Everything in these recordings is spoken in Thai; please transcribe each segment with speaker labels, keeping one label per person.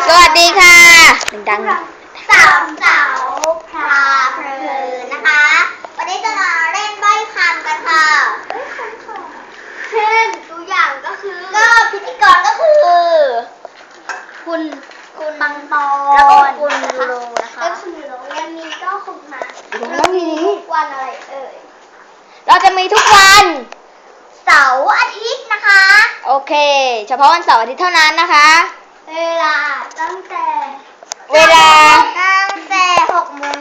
Speaker 1: สวัสดีค่ะดัง
Speaker 2: สาวพาเพลินนะคะวันนี้จะมาเล่นใบ้คำกันค่ะเช่นตัวอย่างก็คือก็พิธีกรก็คือคุณปังปอนแล้วก็คุณยูโรนะคะแล้วคุณยูโรยังมีก็คุณมาแล้วมีทุกวันอะไร
Speaker 1: เราจะมีทุกวัน
Speaker 2: เสาร์อาทิตย์นะคะ
Speaker 1: โอเคเฉพาะวันเสาร์อาทิตย์เท่านั้นนะคะ
Speaker 2: เวลาตั้งแต่
Speaker 1: 6
Speaker 2: โมง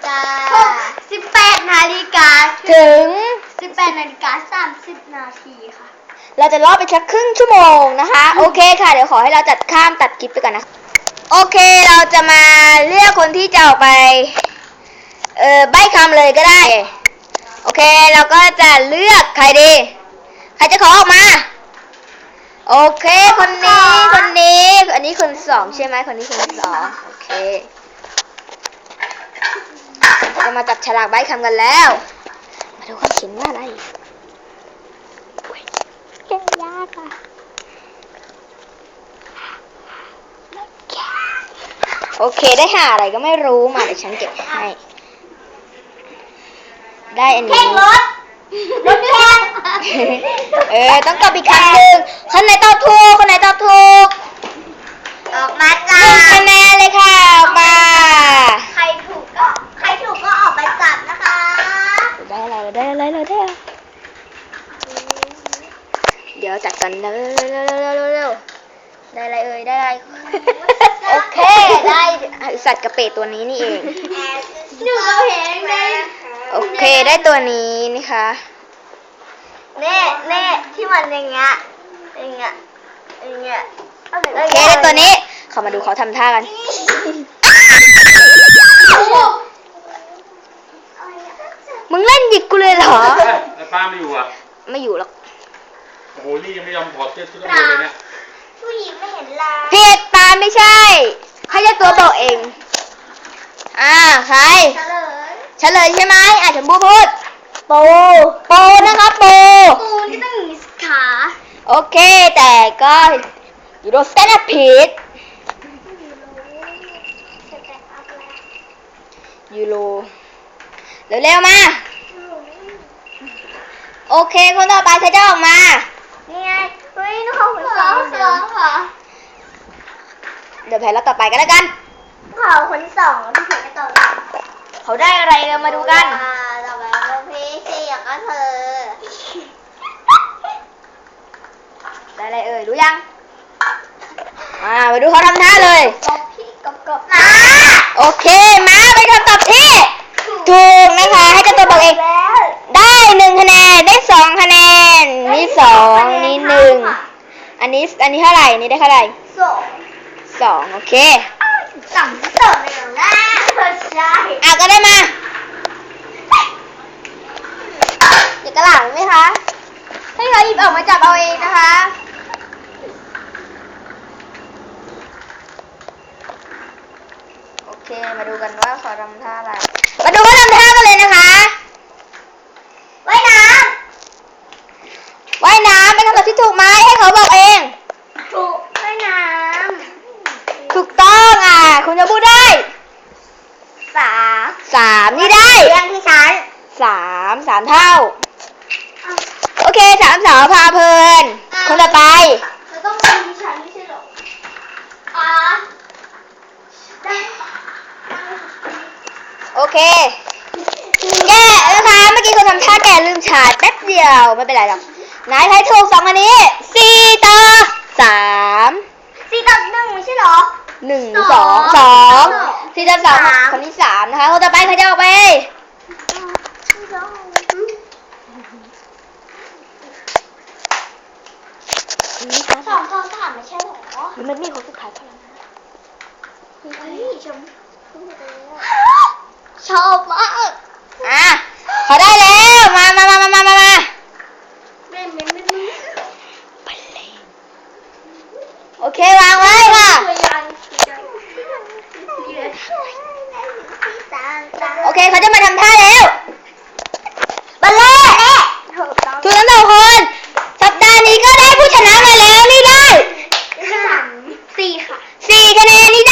Speaker 2: 18 นาฬิกา
Speaker 1: ถึง
Speaker 2: 18 นาฬิกา 30 นาทีค่ะ
Speaker 1: เราจะรอไปสักครึ่งชั่วโมงนะคะโอเคค่ะเดี๋ยวขอให้เราตัดคลิปไปก่อนนะโอเคเราจะมาเลือกคนที่จะออกไปใบ้คำเลยก็ได้โอเคเราก็จะเลือกใครดีใครจะขอออกมาโอเคคนนี้อันนี้คนสองใช่ไหมคนนี้คนสองโอเคเรามาจับฉลากใบ้คำกันแล้วมาดูเขาเขียนว่าอะไรเก่งยากอ่ะโอเคได้หาอะไรก็ไม่รู้มาเดี๋ยวฉันเก็บให้ได้อันนี้
Speaker 2: รถแข่ง
Speaker 1: ต้องตอบอีกครั้งหนึ่งคนไหนตอบถูก
Speaker 2: ออกมาจ้า
Speaker 1: คะแนนเลยค่ะออกมา
Speaker 2: ใครถูกก็ออกไปจับนะคะ
Speaker 1: ได้อะไรเดี๋ยวจัดกันเร็วได้อะไรได้อะไรโอเคได้สัตว์กระเปดตัวนี้นี่เอง
Speaker 2: หนูก็เห็นเลย
Speaker 1: โอเคได้ตัวนี้นะคะ
Speaker 2: เน่ที่มันอย่างเงี้ยโอ
Speaker 1: เคได้ตัวนี้เขามาดูเขาทำท่ากันมึงเล่นหยิกกูเลยเหรอ
Speaker 3: แล้วป้าไม่อยู่อ่ะ
Speaker 1: ไม่อยู่หรอก
Speaker 3: โอ้โหนี่ยังไม่ยอมถอดเสื้อชุดนักเรียนเลยเนี่ย
Speaker 2: ผู้หญิงไม่เห็นลา
Speaker 1: ผิดปาไม่ใช่ให้เจ้าตัวบอกเองใครเฉลยใช่ไหมฉันพูดโปนะครับโป
Speaker 2: นี่ต้องมีขา
Speaker 1: โอเคแต่ก็ยูโรสแตนด์ผิดยูโรเร็วมาโอเคคนต่อไปใครจะออกมา
Speaker 2: นี่ไงเฮ้ยน้องคนสองค่ะ
Speaker 1: เดี๋ยวแพ้แล้วต่อไปกันแล้วกัน
Speaker 2: คนที่สองที่เธอจะต่อ
Speaker 1: เขาได้อะไรเรามาดูกัน
Speaker 2: ต่อไปก็พี่สี่ก็เธอ
Speaker 1: ได้อะไรรู้ยังมาดูเขาทำท่าเลย
Speaker 2: กบ
Speaker 1: โอเคมาเป็นคำตอบที่ถูกนะคะให้เจ้าตัวบอกเองได้1 คะแนนได้2 คะแนนนี่2นี่1อันนี้เท่าไหร่นี่ได้เท่าไหร่2โอเค
Speaker 2: 2ต่อเลยนะใช่
Speaker 1: ก็ได้มาอยากกระหล่ำไหมคะให้เขาหยิบออกมาจับเอาเองนะคะโอเคมาดูกันว่าเขาทำท่าอะไรมาดูเขาทำท่ากันเลยนะคะ
Speaker 2: ว่ายน้
Speaker 1: ำเป็นคำตอบที่ถูกไหมให้เขาบอกเอง
Speaker 2: ถูกว่ายน้
Speaker 1: ำถูกต้องคุณจะพูดได้3นี่ได้
Speaker 2: เรื่องที่ฉัน
Speaker 1: 3เท่าโอเค3 สาวพาเพลินคนต่อไป
Speaker 2: จะต้องเป็นที่ฉันไม่ใช่หรอ
Speaker 1: โอเคแกนะคะเมื่อกี้คนทำท่าแกลืมฉายแป๊บเดียวไม่เป็นไรหรอกนายทายถูก2อันนี้4 ต่อ 3
Speaker 2: 4 ต่อ 1ไม่ใช่หรอ
Speaker 1: 1 2 4 ต่อ 2คนที่3นะคะคนต่อไปใครจะออกไป
Speaker 2: 2 ต่อ 3ไม่ใช่หรอ
Speaker 1: มันมีคนสุดท้ายเท่านั้น
Speaker 2: ชอบมาก
Speaker 1: เขาได้แล้วมาโอเควางไว้ค่ะโอเคเขาจะมาทำท่าแล้วบัลเล่ถูกทั้ง2 คนสัปดาห์นี้ก็ได้ผู้ชนะมาแล้วนี่ได้
Speaker 2: 4 ค่ะ
Speaker 1: 4 คะแนนนี่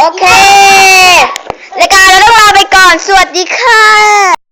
Speaker 1: เครายการเราต้องลาไปก่อน สวัสดีค่ะ